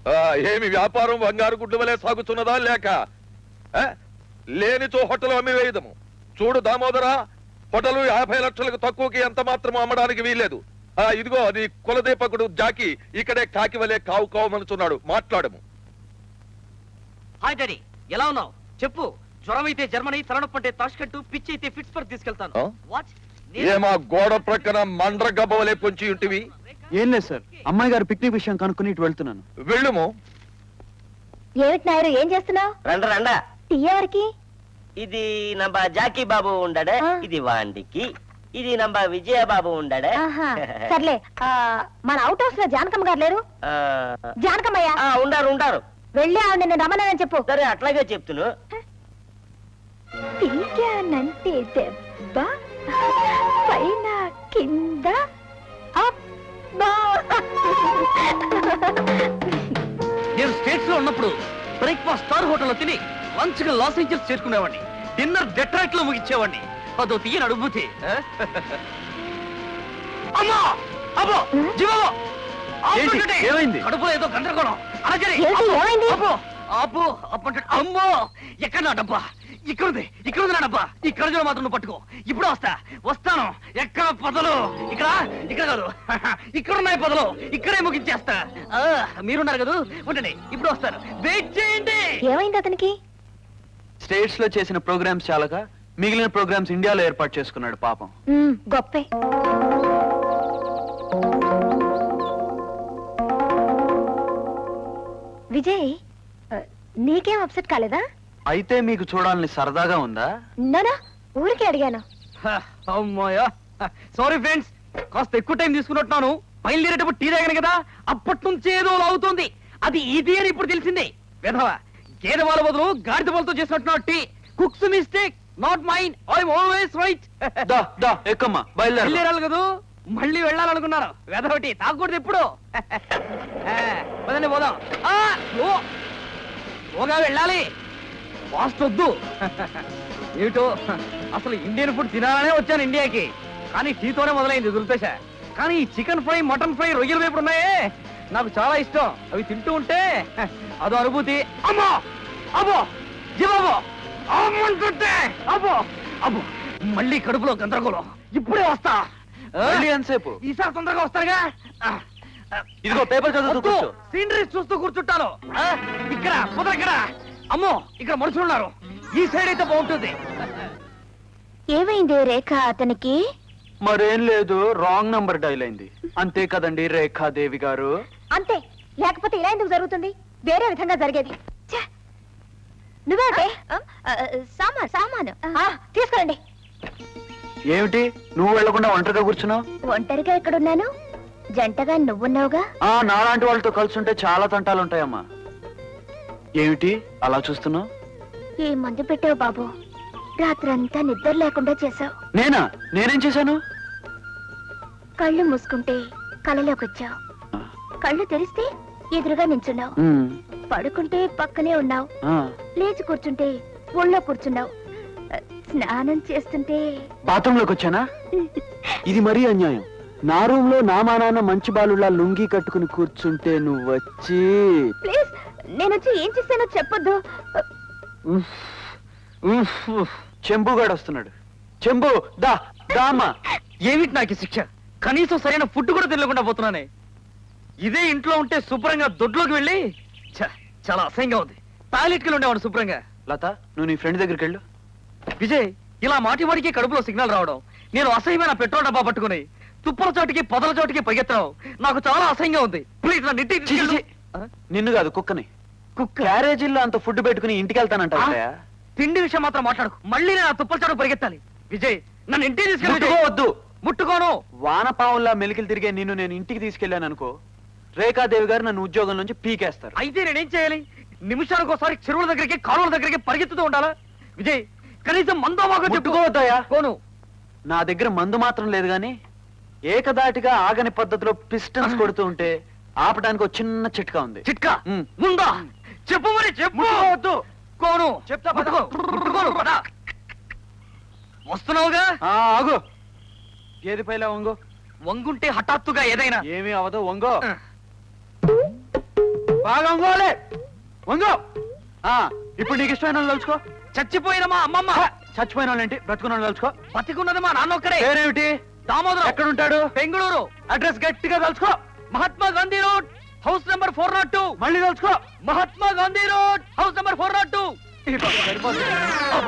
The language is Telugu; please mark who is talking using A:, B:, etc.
A: ఏమి వ్యాపారం బంగారు గుడ్డు వలె సాగుతున్నదా లేక లేనిచో హోటల్ అమ్మి వేయదము. చూడు దామోదరా, హోటల్ 50 లక్షలకు తక్కువకి ఎంత మాత్రం అమ్మడానికి వీల్లేదు. ఇదిగో అది కులదీపకుడు జాకి ఇక్కడే కాకి వలె కావు కావమనుచున్నాడు, మాట్లాడము.
B: హాయ్ డాడీ, ఎలా ఉన్నావు చెప్పు. జ్వరం అయితే జర్మనీ, తలనొప్పి అంటే తాష్కెంట్, పిచ్చి అయితే పిట్స్బర్గ్ తీసుకెళ్తాను.
A: ఏమా గోడ ప్రక్కన మండ్ర గబ్బ వలె పొంచి ఉంటివి?
C: ఏం లేదు సార్, అమ్మాయి గారు పిక్నిక్ విషయం కనుక్కుని ఇటు వెళ్తున్నాను.
A: వెళ్ళుము.
D: ఏమిటి నాయరు, ఏం చేస్తున్నావు?
E: రండ రండ.
D: టీ ఎవరికి?
E: ఇది నంబ జాకీ బాబు ఉండడే, ఇది వాండికి. ఇది నంబ విజయ బాబు ఉండడే.
D: సర్లే, మన అవుట్ హౌస్ లో జానకమ్మ గారు లేరు? జానకమ్మయ్య
E: ఉండారు ఉండారు.
D: వెళ్ళి ఆవిడ నిన్ను రమ్మన్నానని చెప్పు.
E: సరే అట్లాగే చెప్తును.
D: పీకానంటే దెబ్బ, పైన కింద
B: నేను స్టేట్స్ లో ఉన్నప్పుడు బ్రేక్ఫాస్ట్ స్టార్ హోటల్లో తిని లంచ్ గా లాస్ ఏంజల్స్ చేసుకునేవాడిని, డిన్నర్ డెట్రాయిట్ లో ముగించేవాడిని. అదో తీయని అనుభూతి. అమ్మా అబ్బో జీవో
C: ఏమైంది?
B: కడుపులో ఏదో గందరగోళం. అబ్బో అమ్మో ఎక్కడ నా డబ్బా? ఇక్కడ నా డబ్బా. ఈ కడుజులో మాత్రం నువ్వు పట్టుకో. ఇప్పుడు వస్తాను. ఎక్కడ పొదలు? ఇక్కడ కాదు, ఇక్కడున్నాయి పొదలు. ఇక్కడే ముగించేస్తా. మీరున్నారు కదా, ఉండండి, ఇప్పుడు వస్తాను. వెయిట్ చేయండి.
D: ఏమైంది అతనికి?
C: స్టేట్స్ లో చేసిన ప్రోగ్రామ్స్ చాలక మిగిలిన ప్రోగ్రామ్స్ ఇండియాలో ఏర్పాటు చేసుకున్నాడు పాపం.
D: గొప్పే. విజయ్, నీకేం అప్సెట్ కాలేదా?
C: అయితే మీకు చూడాలని సరదాగా ఉందా?
D: నానా ఊరికే అడిగాను.
B: అమ్మాయా, సారీ ఫ్రెండ్స్, కాస్త ఎక్కువ టైం తీసుకున్నట్టున్నాను. బయలుదేరేటప్పుడు టీ తాగాను కదా, అప్పటి నుంచి ఏదో అవుతుంది. అది ఇది అని ఇప్పుడు తెలిసింది. విధవా, గేదె వాళ్ళ బదులు గాడిద వాళ్ళతో చేసినట్టున్నాడు టీ. Cook's mistake, not mind. I'm always right.
C: ఎక్కమ్మా, బయలుదేరాలి
B: కదా, మళ్ళీ వెళ్ళాలనుకున్నాను. వెధవటి తాగకూడదు ఎప్పుడు. పదండి పోదాం. ఓగా వెళ్ళాలి, ఫాస్ట్ వద్దు. ఏమిటో అసలు ఇండియన్ ఫుడ్ తినాలనే వచ్చాను ఇండియాకి, కానీ టీతోనే మొదలైంది దుర్దశ. కానీ ఈ చికెన్ ఫ్రై, మటన్ ఫ్రై, రొయ్యల వేపుడు ఉన్నాయే, నాకు చాలా ఇష్టం. అవి తింటూ ఉంటే అదో అనుభూతి. అమ్మో అబ్బో జీవాబో అమ్మంటుంటే అబ్బో అబ్బో, మళ్ళీ కడుపులో గందరగోళం. ఇప్పుడే వస్తా.
C: ఎంతసేపు?
B: ఈసారి తొందరగా వస్తారుగా.
C: ఇదిగో పేపర్ చదువుతూ
B: సీనరీస్ చూస్తూ కూర్చుంటాను. ఇక్కడ ఇక్కడ, అమ్మో ఇక్కడ మనుషులున్నారు. ఈ సైడ్ అయితే బాగుంటుంది.
D: ఏమైంది రేఖ అతనికి?
C: మరేం లేదు, రాంగ్ నంబర్ డైల్ అయింది అంతే కదండి రేఖాదేవి గారు.
D: అంతే, లేకపోతే ఇలా ఎందుకు జరుగుతుంది? వేరే విధంగా జరిగేది. నువ్వే సామాను తీసుకురండి.
C: ఏమిటి నువ్వు వెళ్లకుండా ఒంటరిగా కూర్చున్నావు?
D: ఒంటరిగా ఎక్కడున్నాను, జంటగా నువ్వున్నావుగా.
C: నాలాంటి వాళ్ళతో కలుసుంటే చాలా తంటాలుంటాయమ్మా. ఏమిటి అలా చూస్తున్నావు?
D: ఏ మందు పెట్టావు బాబు, రాత్రంతా నిద్ర లేకుండా చేసావు.
C: నేనేం చేశాను?
D: కళ్ళు మూసుకుంటే కలలోకి వచ్చావు, కళ్ళు తెరిస్తే ఎదురుగా నించున్నావు, పడుకుంటే పక్కనే ఉన్నావు, లేచి కూర్చుంటే ఒళ్ళో కూర్చున్నావు, స్నానం చేస్తుంటే
C: బాత్రూమ్ లోకి వచ్చానా? ఇది మరీ అన్యాయం. నా రూమ్ లో నా మా నాన్న మంచి బాలులా లుంగి కట్టుకుని కూర్చుంటే నువ్వు వచ్చి.
D: ప్లీజ్, నేను వచ్చి ఏం చేశానో చెప్పొద్దు.
C: చెంబుగాడు వస్తున్నాడు. చెంబు దా దామా.
B: ఏమిటి నాకు శిక్ష? కనీసం సరైన ఫుడ్ కూడా తినకుండా పోతున్నానే. ఇదే ఇంట్లో ఉంటే శుభ్రంగా దొడ్లోకి వెళ్ళి చాలా అసహ్యంగా ఉంది. టాయిలెట్కి ఉండేవాడు శుభ్రంగా.
C: లత, నువ్వు నీ ఫ్రెండ్ దగ్గరికి వెళ్ళు.
B: విజయ్, ఇలా మాటి వాడికి కడుపులో సిగ్నల్ రావడం, నేను అసహ్యమైన పెట్రోల్ డబ్బా పట్టుకుని తుప్పల చోటికి పొదల చోటికి పరిగెత్తడం నాకు చాలా అసహ్యంగా ఉంది. ప్లీజ్ నా ఇంటికి.
C: నిన్ను కాదు, కుక్కని. కుక్క క్యారేజీల్లో అంత ఫుడ్ పెట్టుకుని ఇంటికి వెళ్తానంట.
B: తిండి విషయం మాత్రం మాట్లాడుకు. మళ్ళీ నేను ఆ తుప్పల చోటు పరిగెత్తాలి. విజయ్, నన్ను ఇంటికి తీసుకెళ్ళి.
C: వద్దు,
B: ముట్టుకోను.
C: వానపావుల్లా మెలికలు తిరిగే నిన్ను నేను ఇంటికి తీసుకెళ్లాను అనుకో, రేఖాదేవి గారు నన్ను ఉద్యోగం నుంచి పీకేస్తారు.
B: అయితే నేనేం చేయాలి? నిమిషానికి ఒకసారి చెరువుల దగ్గరికి, కాలువల దగ్గరికి పరిగెత్తుతూ ఉండాలా? విజయ్, కనీసం మందో మాకు
C: చెప్పుకోవద్దాయా?
B: కోను.
C: నా దగ్గర మందు మాత్రం లేదు గాని ఏకదాటిగా ఆగని పద్ధతిలో పిస్టన్స్ కొడుతూ ఉంటే ఆపడానికి ఒక చిన్న చిట్కా ఉంది.
B: చిట్కా ఉందా? చెప్పు మరి, చెప్పు. కోను చెప్తా. వస్తున్నావుగా.
C: ఆగు. ఏది పైలా వంగో.
B: వంగుంటే హఠాత్తుగా ఏదైనా
C: ఏమీ అవదు, వంగో. బాగా వంగోలే వంగో ఇప్పుడు నీకు ఇష్టమైన వాళ్ళు తలుచుకో.
B: చచ్చిపోయిన మా అమ్మమ్మ.
C: చచ్చిపోయిన వాళ్ళు ఏంటి, బ్రతుకున్న వాళ్ళు తలుచుకో.
B: బతికున్నది మా నాన్న ఒక్కడే.
C: పేరేమిటి?
B: దామోదరం.
C: ఎక్కడుంటాడు?
B: బెంగళూరు.
C: అడ్రస్ గట్టిగా తలుచుకో.
B: Mahatma Gandhi road, house number 402.
C: మళ్ళీ తలుచుకో.
B: Mahatma Gandhi road, house number 402.
C: ఈ బాబు సరిపోతుంది.